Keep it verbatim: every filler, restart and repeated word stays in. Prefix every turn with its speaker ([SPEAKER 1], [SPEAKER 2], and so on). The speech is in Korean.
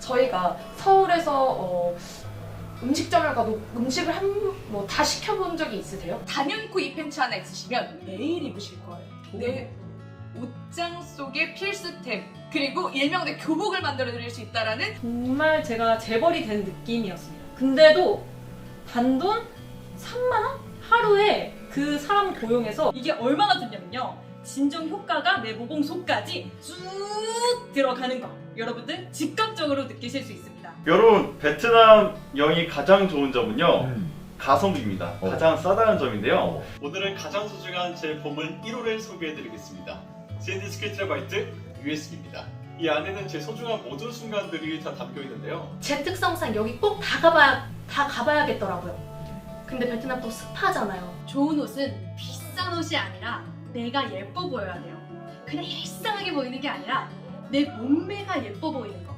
[SPEAKER 1] 저희가 서울에서 어, 음식점을 가도 음식을 한 뭐 다 시켜본 적이 있으세요?
[SPEAKER 2] 단연코 이 팬츠 하나 있으시면 매일 입으실 거예요. 내 옷장 속의 필수템, 그리고 일명 내 교복을 만들어 드릴 수 있다라는
[SPEAKER 3] 정말 제가 재벌이 된 느낌이었습니다. 근데도 단돈 삼만 원? 하루에 그 사람 고용해서 이게 얼마나 좋냐면요. 진정 효과가 내 모공 속까지 쭉 들어가는 거 여러분들 즉각적으로 느끼실 수 있습니다.
[SPEAKER 4] 여러분, 베트남 여행이 가장 좋은 점은요
[SPEAKER 5] 음.
[SPEAKER 4] 가성비입니다.
[SPEAKER 5] 어.
[SPEAKER 4] 가장 싸다는 점인데요.
[SPEAKER 5] 어.
[SPEAKER 4] 오늘은 가장 소중한 제 보물 일 호를 소개해드리겠습니다. 샌디스크 트레바이트 유에스비입니다. 이 안에는 제 소중한 모든 순간들이 다 담겨 있는데요.
[SPEAKER 1] 제 특성상 여기 꼭 다 가봐야 다 가봐야겠더라고요. 근데 베트남 또 습하잖아요.
[SPEAKER 6] 좋은 옷은 비싼 옷이 아니라 내가 예뻐 보여야 돼요. 그냥 일상하게 보이는 게 아니라 내 몸매가 예뻐 보이는 거.